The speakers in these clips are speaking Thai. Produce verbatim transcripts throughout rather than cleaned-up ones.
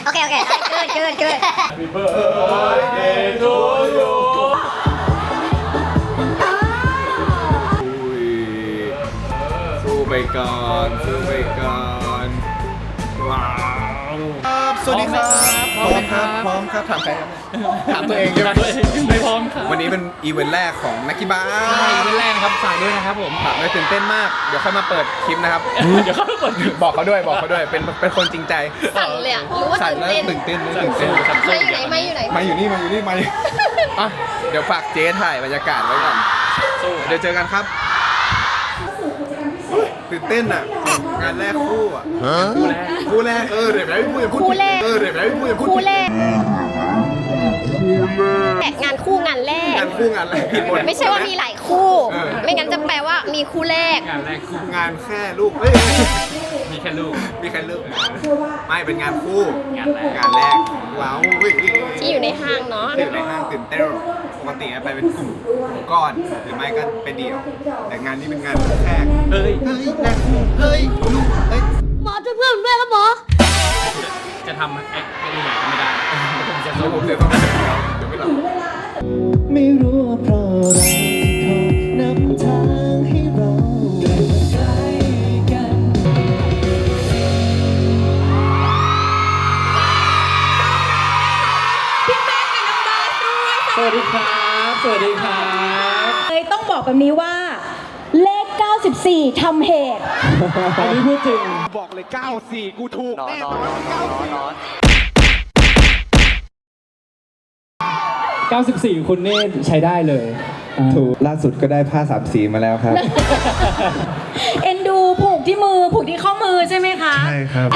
โอเคโอเคเกินเกินเกิน Happy birthday to you สู้ไปก่อนสู้ไปก่อนว้าวสวัสดีครับพร้อมครับพร้อมครับถามใครครับถามตัวเองใช่ไหมไม่พร้อมครับวันนี้เป็นอีเวนต์แรกของนักกีฬาใช่เป็นแรกครับฝากด้วยนะครับผมถามด้วยตื่นเต้นมากเดี๋ยวค่อยมาเปิดคลิปนะครับเดี๋ยวเขาเปิดบอกเขาด้วยบอกเขาด้วยเป็นเป็นคนจริงใจสั่นเลยอ่ะรู้ว่าสั่นตื่นแล้วเต้นตื่นเต้นตื่นเต้นไม่อยู่ไหนไม่อยู่ไหนมาอยู่นี่มาอยู่นี่มาอยู่อ่ะเดี๋ยวฝากเจ๊ถ่ายบรรยากาศไว้ก่อนเดี๋ยวเจอกันครับตื่นเต้นอ่ะงานแรกคู่อ่ะคู่แรกคู่แรกเออเดี๋ยวไม่พูดอย่าพูดคู่แรกเออเดี๋ยวไม่พูดอย่าพูดคู่แรกงานคู่งานแรกงานคู่งานแรกผิดหมดไม่ใช่ว่ามีหลายคู่ ไม่งั้นจะแปลว่ามีคู่แรกงานแรกคู่งานแค่ลูกเฮ้ยมีแค่ลูกมีแค่ลูกไม่เป็นงานคู่งานแรกงานแรกว้าวเฮ้ยที่อยู่ในห้างเนาะอยู่ในห้างตื่นเต้นปกติไปเป็นกลุ่มก้อนหรือไม่ก็ไปเดี่ยว แต่งานนี้เป็นงานแรกเฮ้ยเฮ้ยงานคู่เฮ้ยลูกเฮ้ยหมอช่วยเพื่อนด้วยครับหมอจะทำแอคเป็นไหนก็ไม่ได้ผมจะเดี๋ยวสู้ผมเดี๋ยวต้องเดี๋ยวไม่หลับไม่รู้ว่าเพราะอะไรเขานำทางให้เราได้มาใกล้กันสวัสดีครับสวัสดีครับเลยต้องบอกแบบนี้ว่าเลข เก้าสิบสี่ ทำเหตุอันนี้พูดจริงบอกเลยเก้าสี่กูถูกแน่นอนเก้าสี่เก้าสิบสี่ คุณเน่ใช้ได้เลยถูกล่าสุดก็ได้ผ้าสามสีมาแล้วครับเอ็นดูผูกที่มือ ผูกที่ข้อมือใช่ไหมคะใช่ครับ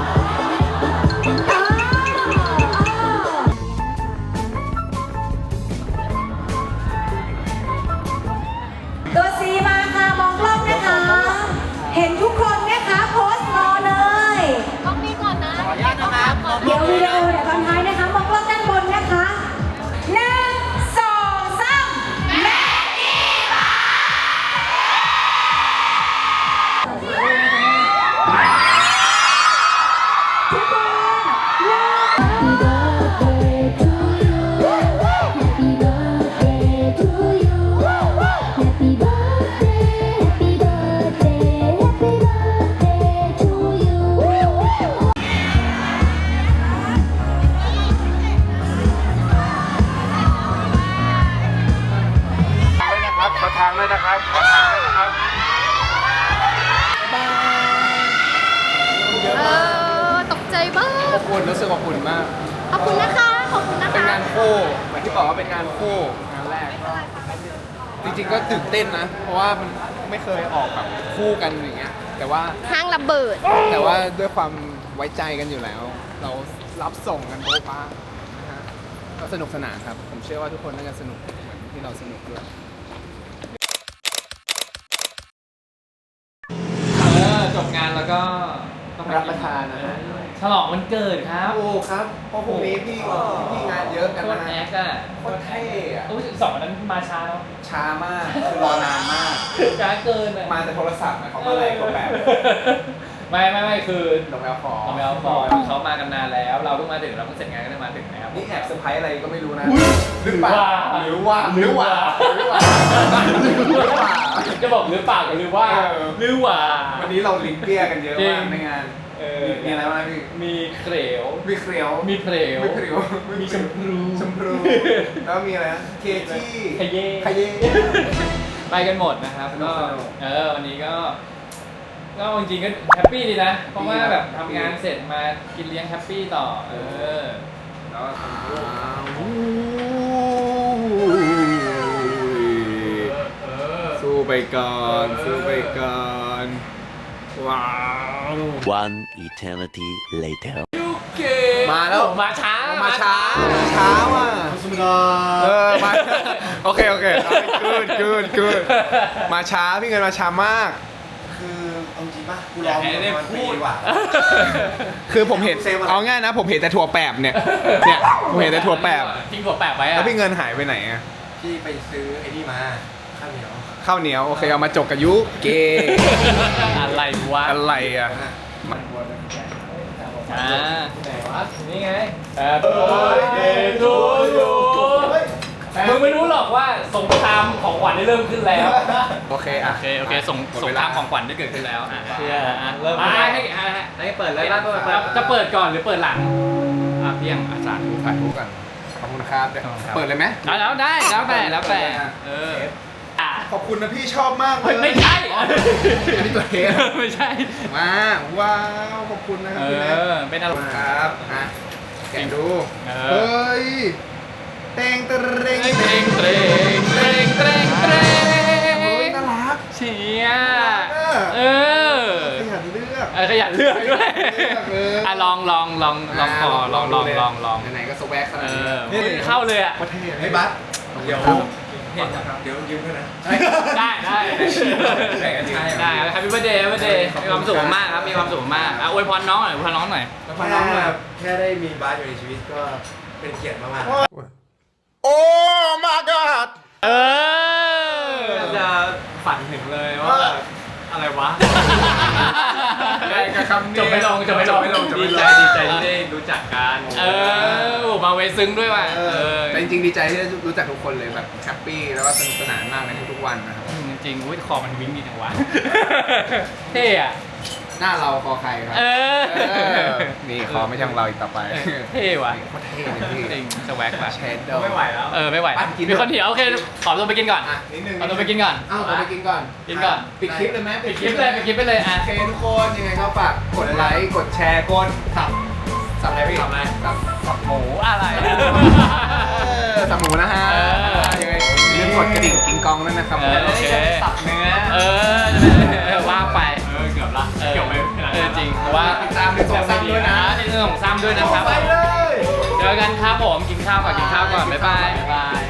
ตัวซีมาค่ะ มองกล้องนะคะ เห็นทุกคนนะคะโพสต์รอเลยกล้องนี้ก่อนนะขออนุญาตนะครับเดี๋ยววิดีโอเดี๋ยวตอนท้ายนะคะ มองกล้องด้านบนนะคะหนึ่งสองสามแม่ดีมานะครับขอทางด้วยนะครับขอทางด้วยนะครับเออตกใจบ้างขอบคุณรู้สึกขอบคุณมากขอบคุณนะคะขอบคุณนะเป็นคะงานคู่เหมือนที่บอกว่าเป็นงานคู่งานแรก จริงๆก็ตื่นเต้นนะ เพราะว่ามันไม่เคยออกแบบคู่กันอย่างเงี้ยแต่ว่าห้างระเบิดแต่ว่าด้วยความไว้ใจกันอยู่แล้ว เรารับส่งกันโบ๊ะบ้านะฮะก็สนุกสนานครับ ผมเชื่อว่าทุกคนน่าจะสนุกเหมือนที่เราสนุกด้วยเออจบงานแล้วก็ต้องรับประทานนะฮะฉลองวันเกิดครับโอ้ครับเพราะพรุ่งนี้พี่พี่งานเยอะกันโคตนะรแอฮะคอะโคตรเท่อะอุ้ยสองวันนั้นมาช้าแล้วช้ามากคือรอนานมากช้าเกินอะมาแต่โทรศัพท์หมายความว่าอะไรก็แบบไม่ไม่ไม่คือลงแอลฟอร์เราไม่เอาฟอร์เขามากันนานแล้ว เราเพิ่งมาถึงเราเพิ่งเสร็จงานก็ได้มาถึงนะครับนี่แอบเซอร์ไพรส์อะไรก็ไม่รู้นะหรือเปล่าหรือว่าหรือว่าหรือว่าหรือว่าจะบอกหรือเปล่ากับหรือว่าเออหรือว่าวันนี้เราลิงเปี้ยกันเยอะมากจริงในงานเออมีอะไรบ้างพี่มีเครวมีเครียวมีเพลวมีเครียวมีชมพูชมพูแล้วมีอะไรนะเคจี้ขยเย่ขยเย่ไปกันหมดนะครับสนุก็กสนุกเออวันนี้ก็ก็จริงๆก็แฮปปี้ดีนะ เพราะว่าแบบทำงานเสร็จมากินเลี้ยงแฮปปี้ต่อ เออแล้วก็สู้ไปก่อนสู้ไปก่อนว้าว One eternity later. มาแล้วมาช้ามาช้ามาช้าว่ะเออมาโอเคโอเคเกินเกินเกินมาช้าพี่เงินมาช้ามากคือเอาจริงป่ะกูรอให้ได้พูดว่ะคือผมเห็นเอาง่ายนะ ผมเห็นแต่ถั่วแปบเนี่ยเนี่ยผมเห็นแต่ถั่วแปบทิ้งถั่วแปบไว้อะแล้วพี่เงินหายไปไหนอะพี่ไปซื้อไอ้นี่มา ข้าวเหนียวข้าวเหนียวโอเคเอามาจกกับยุเกอะไรวะอะไรอะช้อ่าไหนวะนี่ไง Happy birthday to you มึงไม่รู้หรอกว่าสงครามของขวัญได้เริ่มขึ้นแล้วโอเคอ่ะโอเคโอเคสงหมดสงเวคลารามของขวัญได้เกิดขึ้นแล้วอ่ะเชื่ออ่ะเริ่มอ่ะให้ให้ให้ให้เปิดเลยเปิดเปิดจะเปิดก่อนหรือเปิดหลังอ่ะเพียงอาจารย์ถ่ายรูปกันขอบคุณครับเปิดเลยไหมแล้วแล้วได้แล้วแต่แล้วแต่เอออ่ะขอบคุณนะพี่ชอบมากเลเฮ้ยยไม่ใช่อันนี้ตัวเทสไม่ใช่มาว้าวขอบคุณนะครัเอบพี่แม็กอเป็นอะไรครับอ่ะแกะดูเออเฮ้ยเตงเตรงเตรงเตรงเตรงเตรงเตรงเตรงเฮ้ยน่ารักเชียเออขยันเลือกเออขยันเลือกด้วยเลือกเลยอ่ะลองลองลองลองคอลองลองลองลองไหนๆก็สแวกขเอนาดนี้อนี่เข้าเลยอ่ะโคตรเท่เฮ้ยบัสเดี๋ยวครับเดี๋ยวยืมด้วยนะได้ได้ได้กันใช่ได้ครับ Happy birthday Happy birthday มีความสุขมากครับมีความสุขมากอ่ะอวยพรน้องหน่อยอวยพรน้องหน่อยแล้วพอน้องแบบแค่ได้มีบัสอยู่ในชีวิตก็เป็นเกียรติมากๆโอ้ my god เออจะฝันถึงเลยว่าแบบอะไรวะได้กับคำนี้จบไม่ลงจบไม่ลงดีใจดีใจที่ได้รู้จักกันเออโอ้มาเวซึ้งด้วยว่ะเอเอออแต่จริงๆดีใจที่ได้รู้จักทุกคนเลยแบบแฮปปี้แล้วก็สนุกสนานมากในทุกๆวันนะครับจริงๆอุ้ยคอมันวิ่งดีจังวะ เท่อะหน้าเราคอใครครับเออเออนี่คอไม่ใช่ของเราอีกต่อไปเท่ว่ะโคตรเท่เลยพี่จริงสวักว่ะเชดโดไม่ไหวแล้วเออไม่ไหวไปกินมีคนเถียวโอเคขอตัวไปกินก่อนอ่ะนิดนึงขอตัวไปกินก่อนเอ้าตัวไปกินก่อนกินก่อนปิดคลิปเลยไหมปิดคลิปเลยปิดคลิปไปเลยอ่ะโอเคทุกคนยังไงก็ฝากกดไลค์กดแชร์กดสับสับอะไรพี่สับอะไรสับสับหมูอะไรเออสับหมูนะฮะเออยังไงอย่าลืมกดกระดิ่งกิ้งกองด้วยนะครับเออโอเคสับเนื้อเออเออว่าไปเออเกือบละเออเกือบไปขนาดเออนั้นจริงว่าติดตามในสองซ้ำด้วยนะในเรื่องของซ้ำด้วยนะครับไปเลยเจอกันครับผมกินข้าวก่อนกินข้าวก่อนบ๊ายบายบ๊ายบาย